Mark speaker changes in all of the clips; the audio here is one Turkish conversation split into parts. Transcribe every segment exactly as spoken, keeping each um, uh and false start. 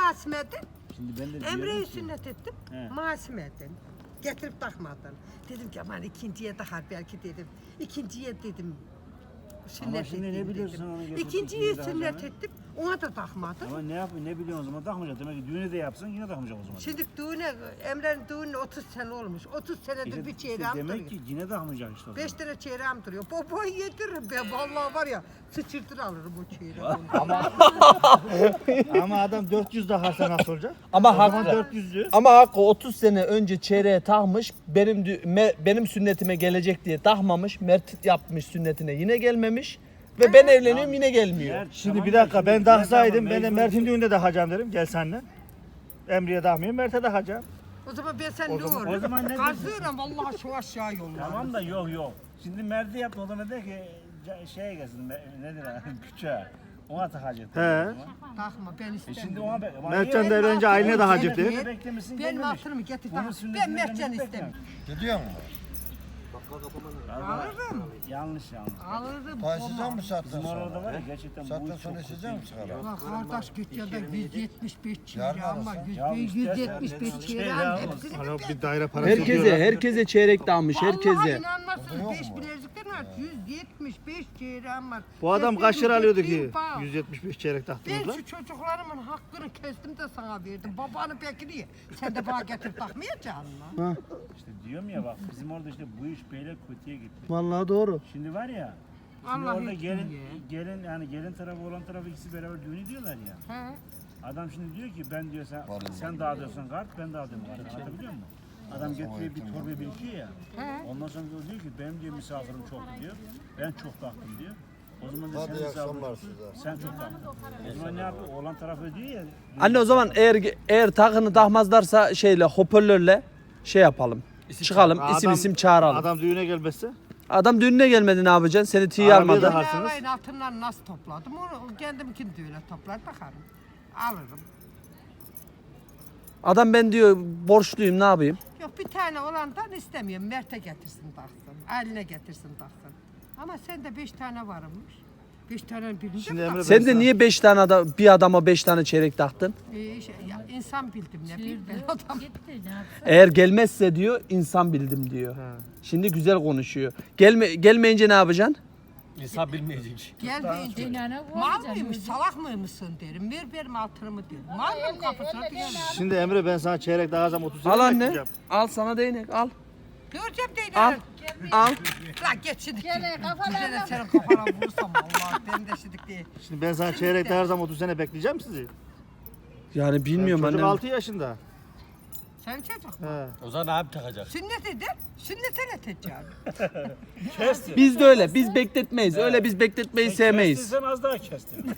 Speaker 1: Masime'den.
Speaker 2: Şimdi ben de
Speaker 1: Emre'yi
Speaker 2: ki,
Speaker 1: sünnet ettim.
Speaker 2: He.
Speaker 1: Masime'den. Getirip takmadın. Dedim ki aman ikinciye takar belki dedim. İkinciye dedim. Sünnet
Speaker 2: şimdi ne
Speaker 1: ettim
Speaker 2: biliyorsun
Speaker 1: dedim.
Speaker 2: onu getirip
Speaker 1: İkinciyi
Speaker 2: ikinciye
Speaker 1: sünnet
Speaker 2: takacağını?
Speaker 1: ettim. Ona da takmadım.
Speaker 2: Ama ne yapayım ne biliyorsun o zaman takmayacak. Demek ki düğünü de yapsan yine takmayacak o zaman.
Speaker 1: Şimdi düğüne, Emre'nin düğünü otuz sene olmuş. otuz senedir
Speaker 2: İşte-
Speaker 1: bir
Speaker 2: işte
Speaker 1: çeyreğim
Speaker 2: demek
Speaker 1: duruyor.
Speaker 2: ki yine takmayacak işte o zaman.
Speaker 1: Beş tane çeyreğim duruyor. Babayı yediririm ben. Vallahi var ya sıçırtır alırım o çeyreği.
Speaker 3: Ama adam dört yüz daha sen nasıl olacak?
Speaker 4: Ama
Speaker 3: O zaman
Speaker 4: haklı.
Speaker 3: dört yüzlü.
Speaker 4: Ama Hakkı otuz sene önce çeyreğe takmış. Benim dü- me- benim sünnetime gelecek diye takmamış. Mert yapmış sünnetine yine gelmemiş. Ve ben evleniyorum yine gelmiyor.
Speaker 2: Mert,
Speaker 3: Şimdi
Speaker 2: tamam
Speaker 3: bir
Speaker 2: da
Speaker 3: dakika
Speaker 2: şimdi
Speaker 3: ben
Speaker 2: ne
Speaker 3: taksaydım
Speaker 2: zaman
Speaker 3: ben de
Speaker 2: mecbur-
Speaker 3: Mert'in düğünde takacağım derim. Gel senle. Emre'ye takmayayım Mert'e takacağım.
Speaker 1: O zaman ben sen
Speaker 3: O
Speaker 1: ne
Speaker 3: zaman-
Speaker 1: olur?
Speaker 2: o zaman ne
Speaker 1: Kazıyorum vallahi şu aşağı yollarım.
Speaker 2: Tamam da yok yok. Şimdi Mert'i yapma o zaman de ki ca- şeye gelsin me- nedir ha küçüğe. Ona takacak.
Speaker 3: He.
Speaker 1: Takma ben
Speaker 2: E
Speaker 1: istemiyorum.
Speaker 2: şimdi ona be. ama
Speaker 3: Mertcan
Speaker 2: niye-
Speaker 3: da evlenince aile de
Speaker 1: Benim
Speaker 3: hacip
Speaker 1: altınımı
Speaker 3: değil.
Speaker 1: ye-
Speaker 2: Beklemişsin,
Speaker 1: Benim
Speaker 2: gelmemiş.
Speaker 1: altınımı getir
Speaker 2: Bunun
Speaker 1: tak.
Speaker 2: sünnetini
Speaker 1: Ben Mertcan
Speaker 2: gelmemiş,
Speaker 1: istemiyorum.
Speaker 5: Gidiyor mu?
Speaker 1: Alırım.
Speaker 2: Yanlış yanlış.
Speaker 1: Alırım.
Speaker 5: Taşıyacak mı saatten
Speaker 2: Bizim orada
Speaker 5: sonra?
Speaker 2: var ya gerçekten bu
Speaker 5: Saatten
Speaker 2: iş
Speaker 5: sonra
Speaker 2: çok
Speaker 5: içecek mi
Speaker 2: kötü.
Speaker 5: sigara?
Speaker 1: Ulan kardeş git ya da yüz yetmiş beş
Speaker 5: Yarın
Speaker 1: çeyreği ama
Speaker 5: arasın.
Speaker 2: Ya
Speaker 1: yüz
Speaker 2: istersen
Speaker 1: yetmiş beş
Speaker 2: ne-
Speaker 1: çeyreği
Speaker 2: şey ya,
Speaker 1: hepsini
Speaker 3: Hala
Speaker 1: bir
Speaker 3: bir daire parası
Speaker 4: Herkese,
Speaker 3: ödüyorlar.
Speaker 4: herkese çeyrek dağmış,
Speaker 1: Vallahi
Speaker 4: herkese.
Speaker 1: inanmazsınız
Speaker 5: Yok
Speaker 1: beş
Speaker 5: mu?
Speaker 1: bileziklerin var. yüz yetmiş beş çeyreğim var.
Speaker 3: Bu adam
Speaker 1: Ben
Speaker 3: kaç lira
Speaker 1: benim
Speaker 3: alıyordu
Speaker 1: gittiğim
Speaker 3: ki?
Speaker 1: bağ.
Speaker 3: yüz yetmiş beş çeyrek
Speaker 1: Ben
Speaker 3: taktınız lan.
Speaker 1: şu çocuklarımın hakkını kestim de sana verdim. Babanı peki niye? Sen de bana getirip takmayacaksın mı?
Speaker 2: İşte diyorum ya bak bizim orada işte bu iş böyle kötüye gitti.
Speaker 3: Vallahi doğru.
Speaker 2: Şimdi var ya. Şimdi
Speaker 1: Allah
Speaker 2: orada
Speaker 1: hiç
Speaker 2: gelin,
Speaker 1: bilmiyor.
Speaker 2: gelin yani gelin tarafı olan tarafı ikisi beraber düğün ediyorlar ya.
Speaker 1: He?
Speaker 2: Adam şimdi diyor ki ben diyor sen,
Speaker 5: Vallahi.
Speaker 2: sen dağıtıyorsun kart ben dağıtıyorum kart. Anlatabiliyor muyum? Adam getiriyor bir torba birikiyor ya.
Speaker 1: He?
Speaker 2: Ondan sonra diyor ki benim diyor misafirim çoktu diyor. Ben çok taktım diyor. O zaman da
Speaker 5: Hadi
Speaker 2: senin
Speaker 5: iyi
Speaker 2: misafirin
Speaker 5: akşamlar
Speaker 2: çoktu,
Speaker 5: size.
Speaker 2: sen çok taktın. O zaman ne yapıyor? Oğlan tarafı ödüyor ya.
Speaker 4: Anne o zaman eğer eğer takını takmazlarsa şeyle hoparlörle şey yapalım. Çıkalım isim
Speaker 3: Adam-
Speaker 4: isim çağıralım. Adam,
Speaker 3: Adam düğüne gelmezse.
Speaker 4: düğününe gelmedi ne yapacaksın? Seni tiye
Speaker 3: Arabaya
Speaker 4: almadı.
Speaker 3: da-
Speaker 1: Ben
Speaker 3: Takarsınız.
Speaker 1: alayın altından nasıl topladım? Onu kendimkini de öyle toplar takarım. Alırım.
Speaker 4: Adam ben diyor borçluyum ne yapayım?
Speaker 1: Yok bir tane olandan istemiyorum. Mert'e getirsin taksın. Eline getirsin taksın. Ama sende beş tane varmış. Beş tane birinci
Speaker 3: Şimdi
Speaker 1: mi
Speaker 3: Emre
Speaker 1: taksın?
Speaker 4: Sen de niye beş tane adam, bir adama beş tane çeyrek taktın?
Speaker 1: Ee, şey, ya, insan bildim ne bileyim ben adam.
Speaker 4: Eğer gelmezse diyor insan bildim diyor. Şimdi güzel konuşuyor. Gelme gelmeyince ne yapacaksın?
Speaker 6: İnsan bilmeyecek.
Speaker 1: Gelmeyince mal mıymış salak mıymışsın derim. Ver benim altınımı derim. Mal mı kapısına diyelim.
Speaker 3: Şimdi Emre ben sana çeyrek takacağım otuz sene
Speaker 4: Al anne.
Speaker 3: bekleyeceğim.
Speaker 4: Al sana değnek al.
Speaker 1: Göreceğim değil.
Speaker 4: Al. Al.
Speaker 1: Lan geç şimdi. Gene kafalarına. Senin kafana vurursam Allah ben de şimdi değil.
Speaker 3: Şimdi ben sana çeyrek takacağım otuz sene bekleyeceğim sizi.
Speaker 4: Yani bilmiyorum
Speaker 3: Çocuk
Speaker 4: annem.
Speaker 3: altı yaşında.
Speaker 1: Sen çocuk mu?
Speaker 3: He.
Speaker 6: O zaman abi takacak.
Speaker 1: Sünnet eder. Sünnete ne tecavüz?
Speaker 2: Kestin.
Speaker 4: Biz de öyle. Biz bekletmeyiz. Öyle biz bekletmeyi sevmeyiz.
Speaker 2: Kestin sen az daha kestin.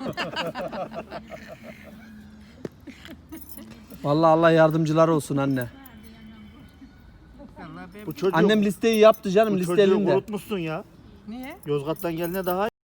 Speaker 4: Vallahi Allah yardımcılar olsun anne.
Speaker 1: Vallahi ben...
Speaker 3: Bu çocuğu,
Speaker 4: Annem listeyi yaptı canım
Speaker 3: bu
Speaker 4: liste
Speaker 3: çocuğu
Speaker 4: elinde.
Speaker 3: kurutmuşsun ya.
Speaker 1: Niye?
Speaker 3: Yozgat'tan gelene daha